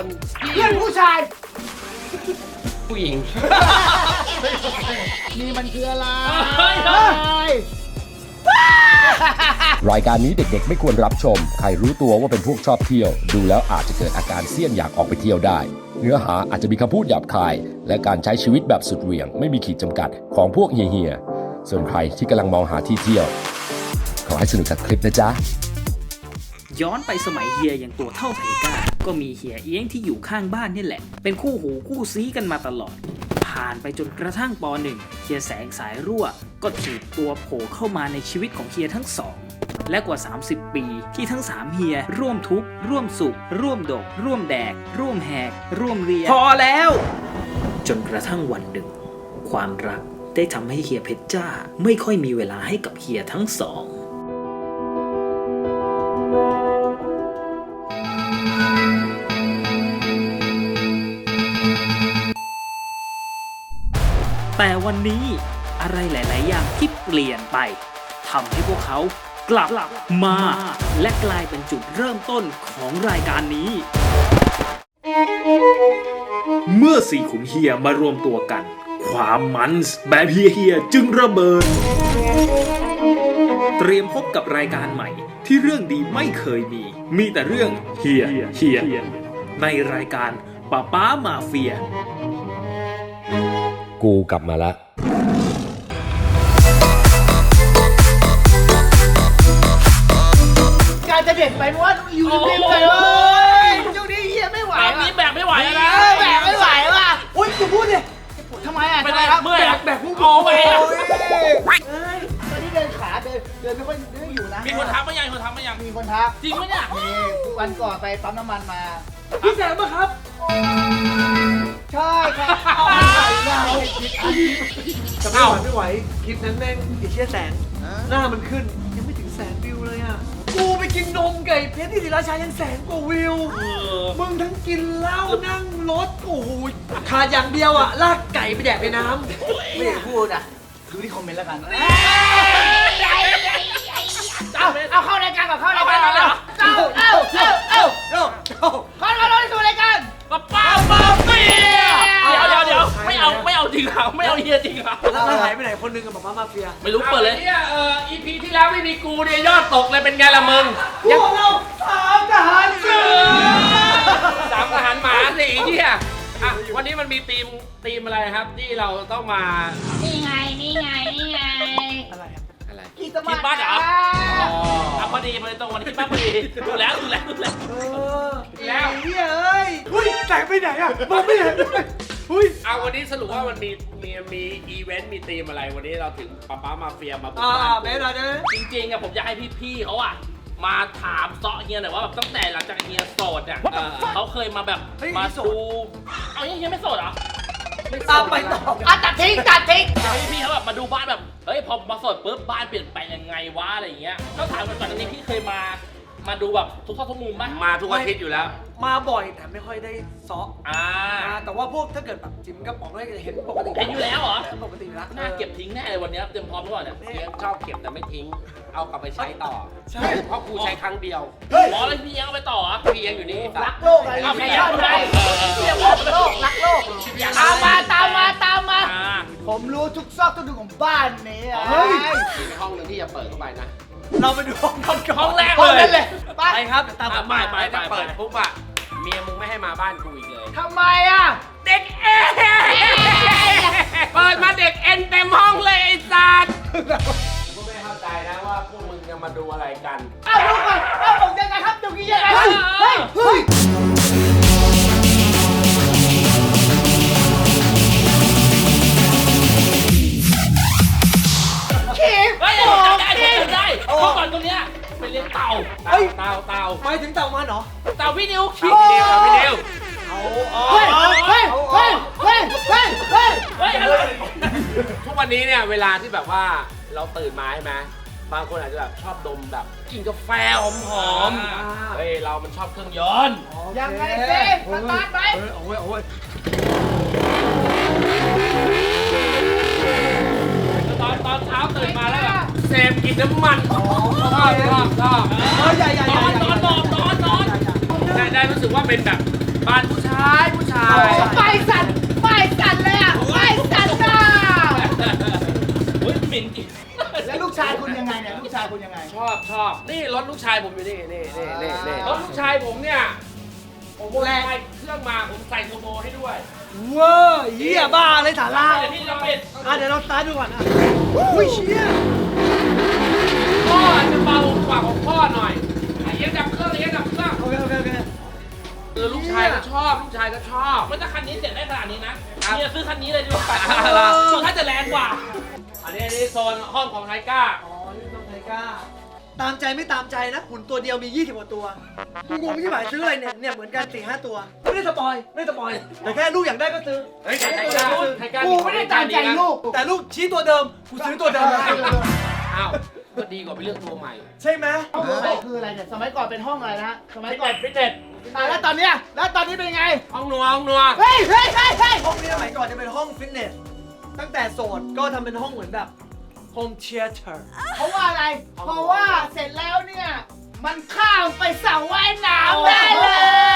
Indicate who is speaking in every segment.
Speaker 1: เพื่อนผู้ชาย
Speaker 2: ผู้หญิง
Speaker 1: นี่มันคืออะไร
Speaker 3: รายการนี้เด็กๆไม่ควรรับชม ใครรู้ตัวว่าเป็นพวกชอบเที่ยว ดูแล้วอาจจะเกิดอาการเสี้ยนอยากออกไปเที่ยวได้ เนื้อหาอาจจะมีคำพูดหยาบคาย และการใช้ชีวิตแบบสุดเหวี่ยง ไม่มีขีดจำกัดของพวกเฮียๆส่วนใครที่กำลังมองหาที่เที่ยว ขอให้สนุกกับคลิปนะจ๊ะ
Speaker 4: ย้อนไปสมัยเฮียอย่างตัวเท่าไทก้าก็มีเฮียเอี้ยงที่อยู่ข้างบ้านนี่แหละ เป็นคู่หูคู่ซี้กันมาตลอด ผ่านไปจนกระทั่งป .1 เฮียแสงสายรั่วก็ถีบตัวโผล่เข้ามาในชีวิตของเฮียทั้งสองและกว่า30 ปีที่ทั้ง3เฮียร่วมทุกข์ร่วมสุขร่วมดกร่วมแดกร่วมแหกร่วมเรียนพอแล้ว จนกระทั่งวันหนึ่งความรักได้ทำให้เฮียเพชรจ้าไม่ค่อยมีเวลาให้กับเฮียทั้งสองแต่วันนี้อะไรหลาย ๆ อย่างที่เปลี่ยนไปทำให้พวกเขากลับมาและกลายเป็นจุดเริ่มต้นของรายการนี้ เมื่อสี่ขุนเฮียมารวมตัวกัน ความมันส์แบบเฮียจึงระเบิด เตรียมพบกับรายการใหม่ที่เรื่องดีไม่เคยมีแต่เรื่องเฮียในรายการป้ามาเฟีย
Speaker 3: กูกลับมาแล้ว
Speaker 1: การจะเด็ดไปเพราะว่าอยู่ริมๆไปเว้ยช่วงนี้เฮียไม่ไหว
Speaker 2: ตอนนี้แบกไม่ไหวแล้วนะ
Speaker 1: แบกไม่ไหวว่ะอุ้ยจะพูดดิทำไมอ่ะ
Speaker 2: เป็นไร
Speaker 1: ครับ
Speaker 2: เมื่อย
Speaker 1: แบกผู้
Speaker 2: โอ้ไปอ่ะ
Speaker 1: ตอนนี้เดินขาเดินไม่ค่อยอยู่นะ
Speaker 2: มีคนทักมายังคนทักมายัง
Speaker 1: มีคนทัก
Speaker 2: จริงไหมเนี่ย
Speaker 1: นี่วันก่อนไปปั๊มน้ำมันมา
Speaker 2: พี่แสงป่ะครับ
Speaker 1: ใช่ครับเอาไปหน้าให้คิดอันนี้
Speaker 5: จะไม่ไหวคลิปนั้นแม่งไอ้เชี่ยแสนหน้ามันขึ้นยังไม่ถึงแสนวิวเลยอ่ะกูไปกินนมไก่เพชรที่ศรีราชายังแสนกว่าวิวมึงทั้งกินเหล้านั่งรถโอ้โหขาดอย่างเดียวอ่ะลากไก่ไปแดกในน้ำ
Speaker 1: ไม่อยากพูดอ่ะดูที่คอมเมนต์แล้วกันเอาเข้ารายการก่อนเข้ารายการก่อนเลยเอาเข้าสู่รายการ
Speaker 2: ป้ามาเฟียเดี๋ยวไม่เอาจริงเหรอไม่เอาเฮียจริงเหรอ
Speaker 5: แล้วหายไปไหนคนนึงกับมาเฟีย
Speaker 2: ไม่รู้เปิดเลยเนี่ยEP ที่แล้วไม่มีกูเนี่ยยอดตกเลยเป็นไงล่ะมึง
Speaker 1: พวกเราสามทหารเสือ
Speaker 2: สามทหารหมาสิเนี่ยอ่ะวันนี้มันมีธีมอะไรครับที่เราต้องมา
Speaker 1: นี่ไง
Speaker 5: อะไรอ่ะ
Speaker 2: อะไร
Speaker 1: กีตาร์
Speaker 2: คิดบ้านเหรออ๋อพอดีมาตรงวันที่บ้านพอดีดูแล้ว
Speaker 5: แล้ว
Speaker 2: แล้ว
Speaker 5: เฮ้ยเฮ้ยแสงไปไหนอ่ะมองไม่เห็นเลยเฮ้ย
Speaker 2: เอาวันนี้สรุปว่ามันมีอีเวนต์มีธีมอะไรวันนี้เราถึงป้ามาเฟียมาบุกบ้าน
Speaker 5: แม่หน่อยได้ไหม
Speaker 2: จริงๆอะผมอยากให้พี่ๆเขาอะมาถามเซาะเฮียหน่อยว่าแบบตั้งแต่หลังจากเฮียโสดอะเขาเคยมาแบบมาดูเอาเฮียไม่โสดเหรอ
Speaker 5: ตามไปต่อ
Speaker 1: ตัดทิ้ง
Speaker 2: อยากให้พี่ๆเขาแบบมาดูบ้านแบบเฮ้ยพอมาโสดปุ๊บบ้านเปลี่ยนไปยังไงวะอะไรอย่างเงี้ยต้องถามก่อนอันนี้พี่เคยมาดูแบบทุกซอกทุกมุมป่ะมาทุกอาทิตย์อยู่แล้ว
Speaker 5: มาบ่อยแต่ไม่ค่อยได้ซอ แต่ว่าพวกถ้าเกิดแบบจิมกระป๋องอะไรเห็นปกติ
Speaker 2: เห็นอยู่แล้วเหรอ
Speaker 5: ปกติอยู่แล้ว
Speaker 2: น่าเก็บทิ้งแน่เลยวันนี้เตรียมพร้อมหรือเปล่าเนี่ย
Speaker 6: เลี้ยงชอบเก็บแต่ไม่ทิ้ง เอากลับไปใช้ต่อ
Speaker 5: ใช่
Speaker 6: เพราะกูใช้ครั้งเดียว
Speaker 2: อ๋อแล้วพี่ยังเอาไปต่อเหรอ
Speaker 6: พี่ยังอยู่นี่
Speaker 1: รักโลกอะไร
Speaker 2: เอาไป
Speaker 1: ชอบอะไรเรียกว่าโลกรักโลกตามมา
Speaker 2: อ่า
Speaker 1: ผมรู้ทุกซอกทุกมุมของบ้านนี้
Speaker 5: เฮ้ย
Speaker 6: มีห้องหนึ่งที่จะเปิดเข้าไปนะ
Speaker 5: เราไปดูห้องกันก่อน
Speaker 2: ห้องแรก
Speaker 1: ห้อง
Speaker 2: เล
Speaker 1: นั้
Speaker 2: ย
Speaker 1: นเลยไป
Speaker 5: ไปครับเดี๋ยวตามผม
Speaker 2: ไป
Speaker 5: มา
Speaker 6: ถ้าเปิดปุ๊บอะเมียมึงไม่ให้มาบ้านกูอีกเลย
Speaker 1: ทำไมอ่ะ
Speaker 2: เด็กเอ็นเปิดมาเด็กเอ็นเต็มห้องเลยไอ้สัตว์
Speaker 6: กูไม่เข้าใจนะว่าพวกมึงจะมาดูอะไรกัน
Speaker 1: เอาลูกก่อนเอาผมยังไงครับตรงนี้ยังไงเฮ้ยขีบ
Speaker 2: เฮ้ยผมจำได้เมื่อก่อนตรงเนี้ยไปเลี้ยงเต่า
Speaker 5: เฮ้ย
Speaker 2: เต่า
Speaker 5: ไปถึงเต่ามันเหรอ
Speaker 2: เต่าพี่นิวคิด
Speaker 6: พี่นิวพี่นิว
Speaker 1: เฮ้ย
Speaker 2: อะไร
Speaker 6: ทุกวันนี้เนี่ยเวลาที่แบบว่าเราตื่นมาใช่ไหมบางคนอาจจะแบบชอบดมแบบกินกาแฟหอมๆเฮ้ยเรามันชอบเครื่องยนต์
Speaker 1: ยังไงสิสตาร์ทไหม
Speaker 5: โอ้ย
Speaker 2: ตอนเช้าตื่นมาแล้วแบบเสพกินน้ำมันชอบ
Speaker 5: ใหญ่
Speaker 2: นอนได้รู้สึกว่าเป็นแบบ
Speaker 6: บ้านผู้ชายผู้ชาย
Speaker 1: ไปสั่นเลยอ่ะไปสั่นจ้า
Speaker 2: อุ้ยเหม็นจริง
Speaker 1: แล้วลูกชายคุณยังไงเนี่ยลูกชายคุณยังไง
Speaker 6: ชอบนี่รถลูกชายผมอยู่นี่รถลูกชายผมเนี่ยผมโมดิฟายเครื่องมาผมใส่โทโบให้ด้วย
Speaker 5: เวอร์เหี้ยบ้าเลยสาระ
Speaker 2: เดี๋ยวพี่จะปิด
Speaker 5: เดี๋ยวเราสตาร์ทดูก่อนอุ้ยเชี่ย
Speaker 6: พ่ออาจจะเบากว่าของพ่อหน่อยเอียงดับเครื่องเอียงดับเครื่อง
Speaker 5: โอเค
Speaker 6: ลูกชายก็ชอบลูกชายก็ชอบ
Speaker 2: มันถ้าคันนี้เสร็จได้ขนาดนี้นะเนี่ยซื้อคันนี้เลยดีกว่าสุดท้ายจะแรงกว่า
Speaker 6: อันนี้โซนห้องของไทก้า
Speaker 5: อ๋อนี่ต้องไทก้าตามใจไม่ตามใจนะหุ่นตัวเดียวมี20กว่าตัวกูงงที่หมายซื้ออะไรเนี่ยเหมือนกัน4-5ตัวไม่ได้สปอยแต่แค่ลูกอยากได้ก็ซื้อ
Speaker 6: เฮ้ยไทก้า
Speaker 1: กูไม่ได้ตามใจลูก
Speaker 5: แต่ลูกชี้ตัวเดิมกูซื้อตัวเดิม
Speaker 6: อ้าวก็ดีกว่าไปเลือกตัวใหม่
Speaker 5: ใช่ไหม
Speaker 1: ห้องอะไรคืออะไรเนี่ยสมัยก่อนเป็นห้องอะไรนะสมัย
Speaker 2: ฟิต
Speaker 1: ก่
Speaker 2: เน
Speaker 1: อน
Speaker 2: สฟิตเนส
Speaker 1: แล้วตอนนี้เป็นไง
Speaker 6: ห้องนัว
Speaker 1: เฮ้ย
Speaker 5: ห้องนี้สมัยก่อนจะเป็นห้องฟิตเนสตั้งแต่โสดก็ทำเป็นห้องเหมือนแบบโฮมเชียร์เตอร์
Speaker 1: เพราะว่าอะไร เพราะว่าเสร็จแล้วเนี่ยมันข้ามไปสระว่ายน้ำได้เลย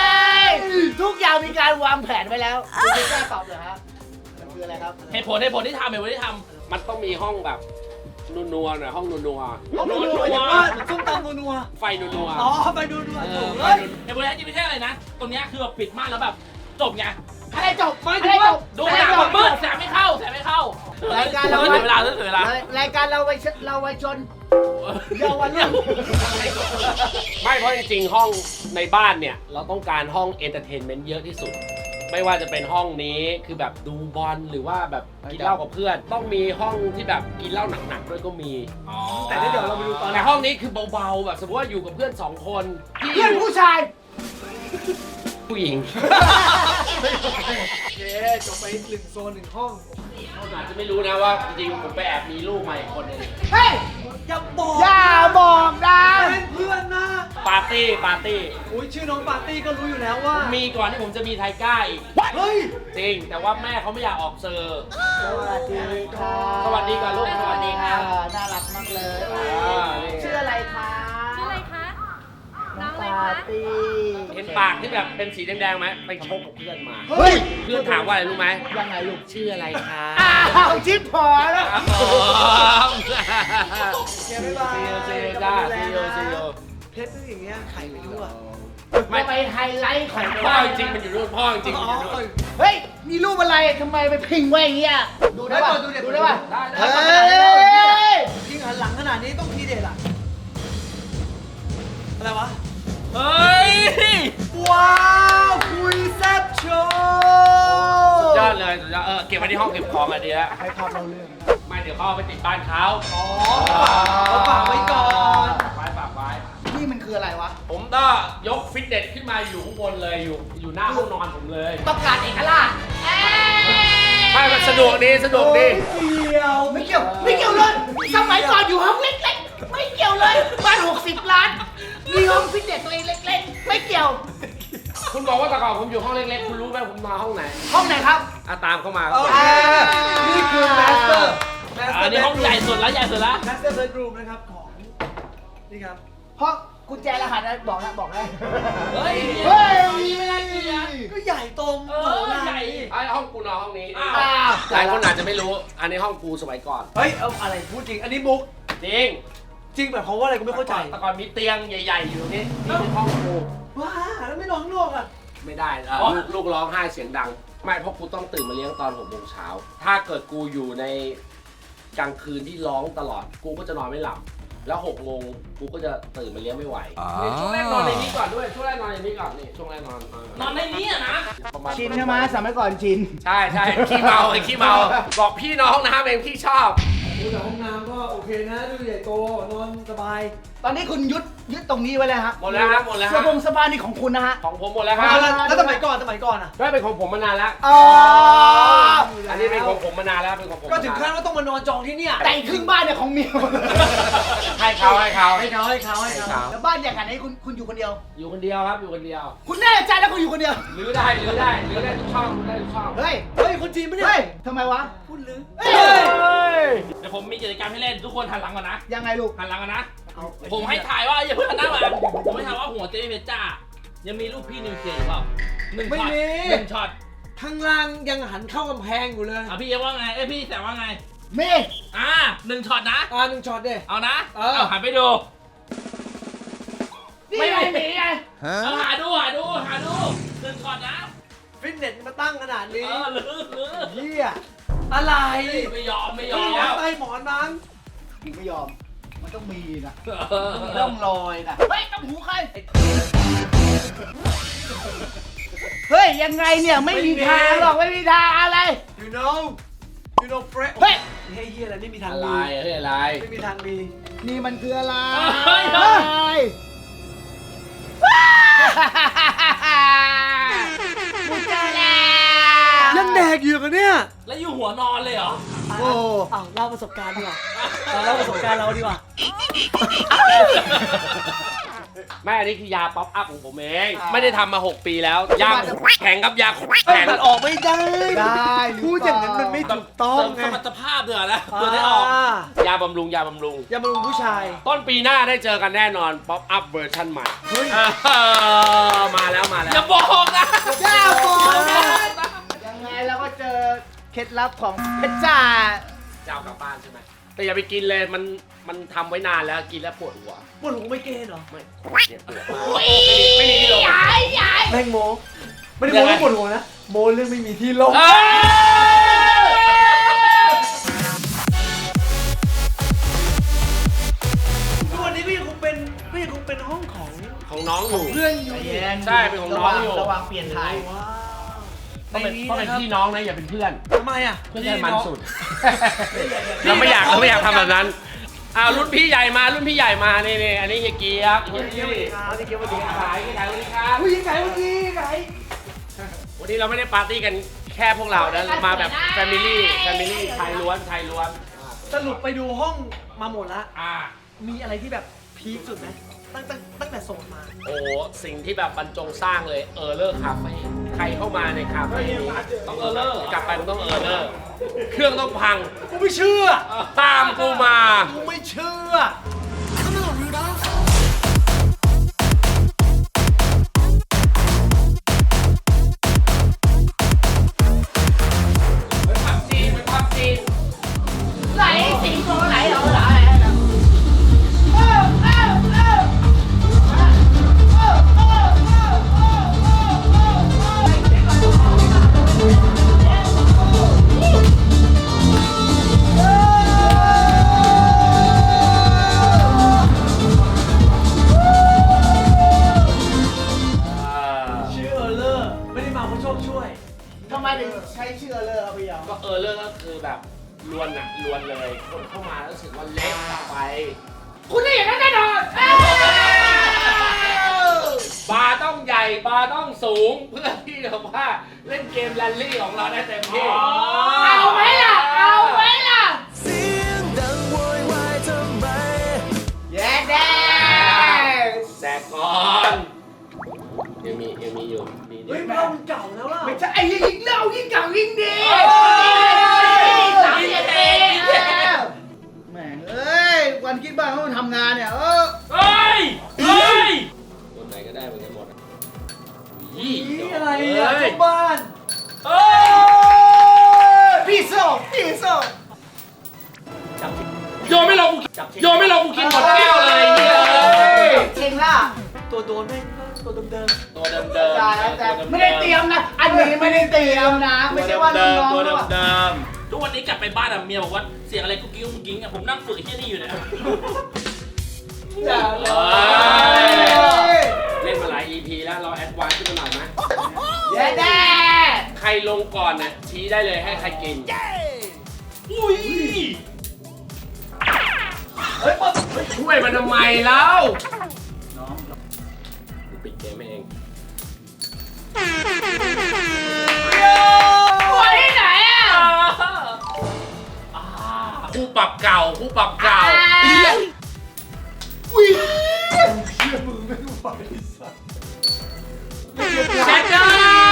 Speaker 1: ทุกอย่างมีการวางแผนไว้แล้วคุณไม่กล้าตอบเลยฮะมันคืออะไรครับ
Speaker 2: เหตุผลที่ทำ
Speaker 6: มันต้องมีห้องแบบนัวๆหน่อยห้องนัว
Speaker 5: ห้องนัวๆอย่างว่าส้มตำนัว
Speaker 6: ๆไฟนัว
Speaker 5: ๆอ๋อไปดูนัว
Speaker 6: ๆ
Speaker 5: โถ่
Speaker 6: ไฟ
Speaker 5: เฮ้ย
Speaker 2: เหตุผลที่ไม่ใช่อะไรนะ ตรงเนี้ยคือแบบปิดม่านแล้วแบบจบไง
Speaker 1: อะไรจบ
Speaker 5: ไม่
Speaker 1: อะ
Speaker 5: ถึ
Speaker 1: ไรง จ
Speaker 5: ว่า
Speaker 1: บ
Speaker 2: ดูหนังมันมืดแสงไม่เข้า
Speaker 1: รายการ
Speaker 2: เสียเวลา
Speaker 1: รายการเราไว้ชนเยาวรุ่น
Speaker 6: ไม่เพราะจริงๆห้องในบ้านเนี่ยเราต้องการห้องเอนเตอร์เทนเมนต์เยอะที่สุด ไม่ว่าจะเป็นห้องนี้คือแบบดูบอลหรือว่าแบบกินเหล้ากับเพื่อน ต้องมีห้องที่แบบกินเหล้าหนักๆด้วยก็มี
Speaker 5: แต่เดี๋ยวเราไปดูตอน
Speaker 6: แต่ห้องนี้คือเบาๆแบบสมมติว่าอยู่กับเพื่อน2 คนที่
Speaker 1: เพื่อนผู้ชาย
Speaker 6: ผู้หญิง
Speaker 5: โอเคจบไป1 โซน 1 ห้อง
Speaker 6: เขาอาจจะไม่รู้นะว่าจริงๆผมไปแอบมีลูกมาอีกคนนึง
Speaker 1: เฮ้ย
Speaker 5: อย่าบอก
Speaker 1: อย่าบอกนะ
Speaker 5: เป็นเพื่อนนะ
Speaker 6: ปาร์ตี้
Speaker 5: อุ้ยชื่อน้องปาร์ตี้ก็รู้อยู่แล้วว่า
Speaker 6: มีก่อนที่ผมจะมีไทก้าอีก
Speaker 5: เฮ้ย
Speaker 6: จริง แต่ว่าแม่เขาไม่อยากออกเซอร์
Speaker 1: สวัสดีค่ะ
Speaker 6: สวัสดีก่อนลูกสวัสดีครับ
Speaker 1: น่ารักมากเลย
Speaker 6: นี่
Speaker 1: ชื่ออะไรคะ
Speaker 7: ชื่ออะไรคะ น้องอะไร
Speaker 1: ปา
Speaker 7: คะ
Speaker 1: ร์ตี้
Speaker 6: เห็นปากที่แบบเป็นสีแดงๆไหมไปชกกับเพื่อนมา
Speaker 1: เฮ้ย
Speaker 6: เพื่อนถามว่าอะไรรู้ไหม
Speaker 1: ยังไงลูก
Speaker 6: ชื่ออะไรคะ
Speaker 1: อ้าวชิปพอแล้ว
Speaker 6: ครับผม
Speaker 5: เดี๋ยวบ๊ายบาย
Speaker 6: ซีโอจ้าซีโอ
Speaker 5: เพชรเป็นอย่างเงี้ยไข่ไม่รู้อ่ะ
Speaker 1: ไม่ไปไฮไลท์ของ
Speaker 6: พ่อจริงๆมันอยู่นู่นพ่อจริงๆมันอยู่นู่น
Speaker 1: เฮ้ยมีรูปอะไรทำไมไปพิงไว้อย่างเงี้ยดูได้ป่ะดูได้ป่ะ
Speaker 6: ได้
Speaker 1: เฮ้ย
Speaker 5: ยิงหันหลังขนาดนี้ต้องทีเด็ดอ่ะ อะไรวะ
Speaker 2: เฮ้ย
Speaker 5: ว้าวคุยแซ่บโชว์
Speaker 6: สุดยอดเลยสุดยอดเก็บไว้ที่ห้องเก็บของอันนี้แล้ว
Speaker 5: ให้ภาพเราเรื่อง
Speaker 6: ไม่เดี๋ยวเขาเอาไปติดบ้านเขา
Speaker 5: อ๋อเราฝากไว้ก่อน
Speaker 6: ฝากไว้
Speaker 1: นี่มันคืออะไรวะ
Speaker 6: ผมก็ยกฟิตเนสขึ้นมาอยู่ข้างบนเลยอยู่หน้าห้องนอนผมเลย
Speaker 1: ต้องการเอกราช
Speaker 6: ไม่มันสะดวกดีสะดวกดี
Speaker 1: ไม่เกี่ยวเลย สมัยก่อนอยู่ห้องเล็กๆ ไม่เกี่ยวเลย บ้าน60 ล้าน มีห้องฟิตเนสตัวเองเล็กๆ ไม่เกี่ยว
Speaker 6: คุณบอกว่าแต่ก่อนผมอยู่ห้องเล็กๆ คุณรู้ไหมผมนอนห้องไหน
Speaker 1: ห้องไหนครับ
Speaker 6: ตามเข้ามา
Speaker 5: โอเคนี่คือแมสเตอร์
Speaker 2: อันนี้ห้องใหญ่สุดแล้ว
Speaker 5: แมสเตอร์เบดรูมนะครับของ นี่ครับ
Speaker 1: เพราะกุญแจรหัสนะบอกได้
Speaker 2: เฮ้ย
Speaker 1: เฮ้ย
Speaker 2: มีไม่ได้เกียรติ
Speaker 5: ก็ใหญ่ตรง
Speaker 2: เออใหญ่
Speaker 6: ไอ้ห้องกูนอนห้องนี้
Speaker 2: อ้าว
Speaker 6: หลายคนอาจจะไม่รู้ อันนี้ห้องกูสมัยก่อน
Speaker 5: เฮ้ย เอาอะไรพูดจริง อันนี้มุก
Speaker 6: จริง
Speaker 5: จริงแบบเขามว่าอะไรกูไม่เข้าใจ
Speaker 6: แต่ก่อนมีเตียงใหญ่ๆอยู่ตรงนี้นี่คือห้องกู
Speaker 5: ว้าแล้วไม่นอนข้างนอกอ่ะ
Speaker 6: ไม่ได้ลูกร้องไห้เสียงดัง ไม่เพราะกูต้องตื่นมาเลี้ยงตอน6 โมงเช้าถ้าเกิดกูอยู่ในกลางคืนที่ร้องตลอด กูก็จะนอนไม่หลับ แล้ว6 โมงกูก็จะตื่นมาเลี้ยงไม่ไหวนี่ช่วงแรกนอนในนี้ก่อนด้วยช่วงแรกนอนในนี้ก่อนนี่ช่วงแรกนอน
Speaker 2: นอนในนี้อะนะ
Speaker 6: ประมาณ
Speaker 1: ชินใช่ไหมสมัยก่อนชิน
Speaker 6: ใช่ขี้เมาไอ้ขี้เมาบอกพี่นอนห้องน้ำเองพี่ชอบ
Speaker 5: ดูแต่ห้องน้ำก็โอเคนะ ดูใหญ่โต นอนสบาย
Speaker 1: ตอนนี้คุณยึดตรงนี้ไว้เลยฮะ
Speaker 6: หมดแล้วครับหมดแล้ว
Speaker 1: เสื้อผงสบายนี่ของคุณนะฮะ
Speaker 6: ของผมหมดแล้วค
Speaker 5: แล้
Speaker 6: รับ
Speaker 5: วสมัยก่อนอ่ะ
Speaker 6: ได้เป็นของผมมานานแล้ว
Speaker 1: อ๋อ
Speaker 6: อันนี้เป็นของผมมานานแล้วเป็นของผม
Speaker 5: ก็ถึงขั้นว่าต้องมานอนจองที่เนี่ย
Speaker 1: แต่อีกครึ่งบ้านเนี่ยของเมีย
Speaker 6: ให้เขา
Speaker 1: แล้วบ้านอย่างไหนคุณอยู่คนเดียว
Speaker 6: อยู่คนเดียวครับอยู่คนเดียว
Speaker 1: คุณแน่ใจแล้วคุณอยู่คนเดียว
Speaker 6: รื้อได้ทุกช่องได้ทุกช่อง
Speaker 1: เฮ้ย
Speaker 5: เฮ้ย คนจีนปะเนี่ย
Speaker 1: เฮ้ยทำไมวะ
Speaker 5: พูดลือ
Speaker 1: เฮ้ย
Speaker 2: เดี๋ยวผมมีกิจกรรมให้เล่นทุกคนหันหลังก่อนนะ
Speaker 1: ยังไงลูก
Speaker 2: หันหลังก่อนนะ ผมให้ถ่ายว่าอย่าเพิ่งหันหน้ามาผมให้ถ่ายว่าหัวเจ๊เพชรจ้า ยังมีรูปพี่นิวเคลียร์อยู่เปล่าหนึ่ง
Speaker 5: ไม่
Speaker 2: ช็อต
Speaker 5: มี
Speaker 2: หนึ่งช็อต
Speaker 5: ข้างล่างยังหันเข้ากำแพงอยู่เลย
Speaker 2: พี่เอ็มว่าไงพี่แต่ว่าไง
Speaker 1: มี
Speaker 2: หนึ่งช็อตนะ
Speaker 5: หนึ่งช็อตเด้
Speaker 2: เอานะ
Speaker 5: เอา
Speaker 2: หันไปดู
Speaker 1: นี่ไงมีไง
Speaker 2: เอาหาดูหนึ่งช็อตนะ
Speaker 5: ฟิตเนสมาตั้งขนาดนี้
Speaker 2: ลือ
Speaker 5: เฮียอะไร
Speaker 2: ไม่ยอม
Speaker 5: ใต้หมอนมั้ง
Speaker 1: มึงไม่ยอม มันต้องมีนะต้องรอยนะเฮ้ยต้องหูใครเฮ้ยยังไงเนี่ยไม่มีทางหรอกไม่มีทางอะไร
Speaker 5: you know Fred
Speaker 1: เฮ้ย
Speaker 5: เฮียอะไรไม่มีทาง
Speaker 6: อะไร
Speaker 5: ดี
Speaker 6: เฮ้ยอะไร
Speaker 5: ไม่มีทางดี
Speaker 1: นี่มันคืออะไร
Speaker 2: เฮ้ย
Speaker 1: กูเจอแล้ว
Speaker 5: ยังแดกอยู่กันเนี่ย
Speaker 2: แล้วอยู่หัวนอนเลยเหรอ
Speaker 1: โอ้
Speaker 5: อ้าวเล่าประสบการณ์ดีกว่าเล่าประสบการณ์เราดีกว่า
Speaker 6: ไม่อันนี้คือยาป๊อปอัพของผมเอง ไม่ได้ทำมา 6 ปีแล้ว ยาแข็งครับยาแข็ง
Speaker 5: มันออกไม่ได้
Speaker 1: ได้หรือเปล่า
Speaker 5: พูดอย่างนั้นมันไม่ถูกต้อง
Speaker 2: เสริม
Speaker 5: ไง
Speaker 2: สมรรถภาพเดือนะเพื่อได้ออก
Speaker 6: ยาบำรุงยาบำรุง
Speaker 5: อย่ามาลุงผู้ชาย
Speaker 6: ต้นปีหน้าได้เจอกันแน่นอนป๊อปอัพเวอร์ชันใหม่
Speaker 5: เฮ้ย
Speaker 6: มาแล้วมาแล้ว
Speaker 2: อย่าบอกนะ
Speaker 1: จ้าบอกนะยังไงเราก็เจอเคล็ดลับของเพชรจ้า
Speaker 6: จะเอากลับบ้านใช่ไหมแต่อย่าไปกินเลยมันทำไว้นานแล้วกินแล้วปวดหัว
Speaker 5: ปวดหัวไม่เกณฑ์เหรอ
Speaker 6: ไม่เนี่ยปวดมากไม่มีที่ลง
Speaker 5: แม่งโมไม่ได้โมเรื่องปวดหัวนะ โมเรื่องไม่มีที่ลง ทุกวันนี้ก็ยังคงเป็นห้องของ
Speaker 6: ของน้องอยู่
Speaker 5: เพื่อนอยู่
Speaker 6: ใช่เป็นของน้องอยู่
Speaker 1: ระวังเปลี่ยนถ่าย
Speaker 5: ว้าว
Speaker 6: ต้องเป็นพี่น้องนะอย่าเป็นเพื่อน
Speaker 5: ทำไมอ่ะ
Speaker 6: เพื่อนให้มันสุด เราไม่อยากทำแบบนั้นรุ่นพี่ใหญ่มานี่อันนี้เฮียเกียบ
Speaker 5: เฮ้ยเกี่ยวกับขาเกี่ยวกับขา
Speaker 6: ขายสวัสดีครับ
Speaker 5: ผู้หญิงไก่เมื่อกี้ไก่
Speaker 6: วันนี้เราไม่ได้ปาร์ตี้กันแค่พวกเรานะมาแบบแฟมิลี่ชายล้วน
Speaker 5: สรุปไปดูห้องมาหมดละ
Speaker 6: ๆ
Speaker 5: มีอะไรที่แบบพีคสุดไหมตั้งแต่โสดมา
Speaker 6: โอ้สิ่งที่แบบบรรจงสร้างเลยเลอร์คาเฟ่ใครเข้ามาในคาเฟ่นี้ต้องเลอร์กลับไปมันต้องเลอร์เครื่องต้องพัง
Speaker 5: กูไม่เชื่อ
Speaker 6: ตามกูมา
Speaker 5: กูไม่เชื่อ
Speaker 6: ไปพับจีน
Speaker 1: ไหลสิงโตไหลเหรอ
Speaker 5: ชื่อเลอร์ไม่ได้มาเพราะโชคช่วย
Speaker 1: ทำไมถึงใช้ชื่อเลยเอาไปยาว
Speaker 6: ก็เลอร์ก็คือแบบลวนเลยคนเข้ามาแล้วรู้สึกว่าเล็กไป
Speaker 1: คุณได้อย่างนั้นแน่นอน
Speaker 6: บาร์ต้องใหญ่บาร์ต้องสูงเพื่อที่จะว่าเล่นเกมแรลลี่ของเราได้เต็มที่
Speaker 1: เอาไหมล่ะแย่แดง
Speaker 6: แสกก่อนยังมีอยู่มี
Speaker 5: เฮ้ยเรามันเก่าแล้วล่ะ
Speaker 1: ไม่ใช่ไอ้ยิ่งเล่ายิ่งเก่ายิ่งดีแม่งเอ้ยวันคิดบ้างเขาทำงานเนี่ย
Speaker 2: เฮ้ย
Speaker 6: คนไหนก็ได้เหมือนกันหมด
Speaker 5: นี่อะไรอ่ะทุกบ้าน
Speaker 1: พี่โซ่
Speaker 6: โยนไม่ลงกูกินหมดแก้วเลยเนี่ย
Speaker 1: เก่งล่ะ
Speaker 5: ตัวโดนแม่งตัวเดิม
Speaker 6: ตัวเดิม
Speaker 1: แต่ไม่ได้เตรียมนะ อันนี้ไม่ได้เตรียมนะ ไม่ใช่ว่าน้อง
Speaker 6: ตัว
Speaker 1: ๆ
Speaker 6: เดิ
Speaker 1: ว่าม
Speaker 2: ทุกวันนี้กลับไปบ้านเมียบอกว่าเสียงอะไรกุ๊กกิ๊งผมนั่งฝึกไอ้ที่นี่อยู่เนี่ย
Speaker 1: อย่าเลย
Speaker 6: เล่นมาหลาย EP แล้วเราแอดวานซ์ขึ้นมาหน่อยไหม
Speaker 1: แย่แดง
Speaker 6: ใครลงก่อนน่ะชี้ได้เลยให้ใครกิน
Speaker 2: อุ้ย
Speaker 6: ช่วยมันทำไมแล้วปิดเกมให้เอง
Speaker 1: วันที่ไหนอ่ะ
Speaker 6: คู่ปรับเก่า
Speaker 1: อุ้ย
Speaker 6: เจ็ดจ้า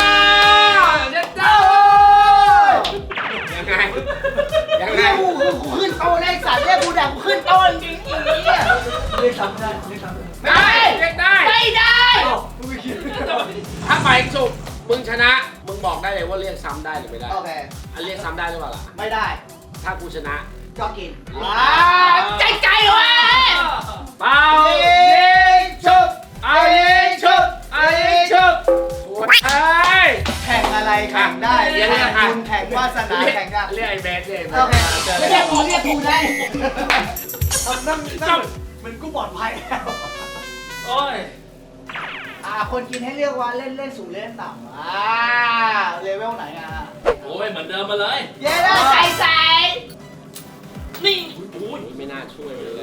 Speaker 6: ยังไง
Speaker 1: กูขึ้นโตเลขสัตว์เรียกกูแดกกูขึ้นโตจริงๆเนี่ย
Speaker 5: ๆเรียกซ้ำได้
Speaker 6: ได้
Speaker 1: ไม่ได้
Speaker 6: ถ้าไปสุกมึงชนะ มึงบอกได้เลยว่าเรียกซ้ำได้หรือไม่ได้
Speaker 1: โอเค
Speaker 6: อันเรียกซ้ำได้หรือเปล่าล่ะ
Speaker 1: ไม่ได้
Speaker 6: ถ้ากูชนะ
Speaker 1: ก็กินใจเว้ย
Speaker 6: เปล่ายิงชุบไอ้ยิงชุบไอ้ยิงชุบไอ้
Speaker 1: แข่งอะไรแข่งได้
Speaker 6: เรียก
Speaker 1: แข่ง
Speaker 6: ค่ะ
Speaker 1: บุญแข่งวาสนาแข่งได้
Speaker 6: เรียกไอ้แมนเรียกไอ้แม
Speaker 1: โอน เคเรียกกูได้
Speaker 5: นั่งเหมือนกูปลอดภัยแล้ว
Speaker 2: โอ้ย
Speaker 1: คนกินให้เลือกว่าเล่นสูงเล่นต่ำเลเวลไหน
Speaker 2: โอ้ยเหมือนเดิมมาเลย
Speaker 1: เย้เลยใส่
Speaker 2: นี่โอ้ย
Speaker 6: ไม่น่าช่วยเลย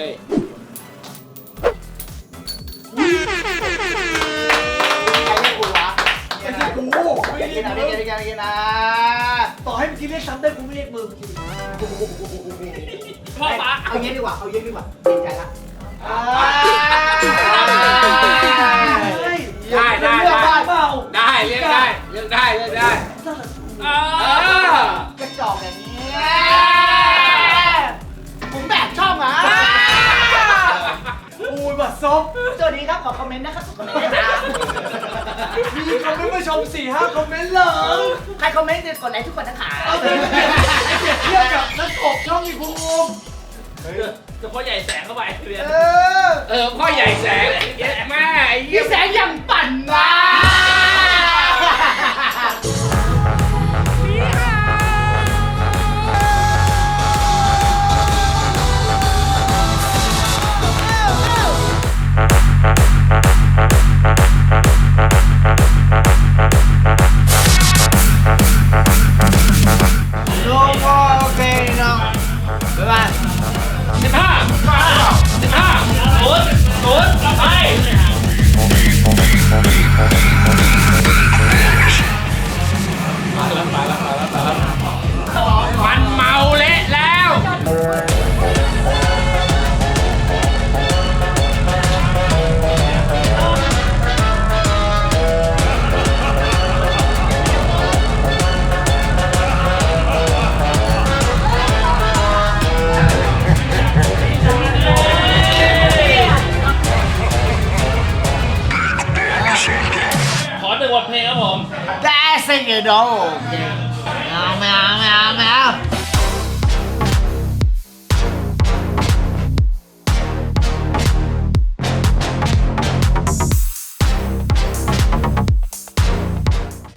Speaker 1: ใครเรียกกูวะ
Speaker 5: ไม่ใช่กูไม่
Speaker 1: ไม่
Speaker 5: ได้
Speaker 1: กินนะ
Speaker 5: มึ
Speaker 1: ไม่
Speaker 5: ง
Speaker 1: กินไม่กินนะ
Speaker 5: ต่อให้มึงกินเรียกซ้ำได้กูไม่เรียกมึง
Speaker 2: พ่อฟ้า
Speaker 1: เอาเย็นดีกว่าเย็นใจละ
Speaker 6: ได้ได้
Speaker 1: เลือกบ้าน
Speaker 5: เปล่า
Speaker 6: ได้เรียกได้เรียกได้เรียกได้
Speaker 1: กระจอกอย่างนี้ผมแบบชอบอ่ะ
Speaker 5: อูยบัดซบ
Speaker 1: สวัสดีครับขอคอมเมนต์นะครับคอมเมนต์ด้วยนะ
Speaker 5: มีคอมเมนต์มาชม 4-5 คอมเมนต์เลย
Speaker 1: ใครคอมเมนต์กดไลค์ทุกคนนะคะ
Speaker 5: เอาไปเปรียบเทียบกับนักกบช่องอีภูมิ
Speaker 2: จะพ่อใหญ่แสงเข้าไปเรียน
Speaker 6: พ่อใหญ่แสงแม่ไอ้เหี้
Speaker 1: พี่
Speaker 6: ย
Speaker 1: แสงยังปั่นมา โอเคน้องบ๊ายบาย
Speaker 2: 15 ไป
Speaker 6: มันเมาเละแล้ว
Speaker 2: ขอ1 บทเพลงครับผม
Speaker 1: That's it, you know. Meow, meow, meow, meow.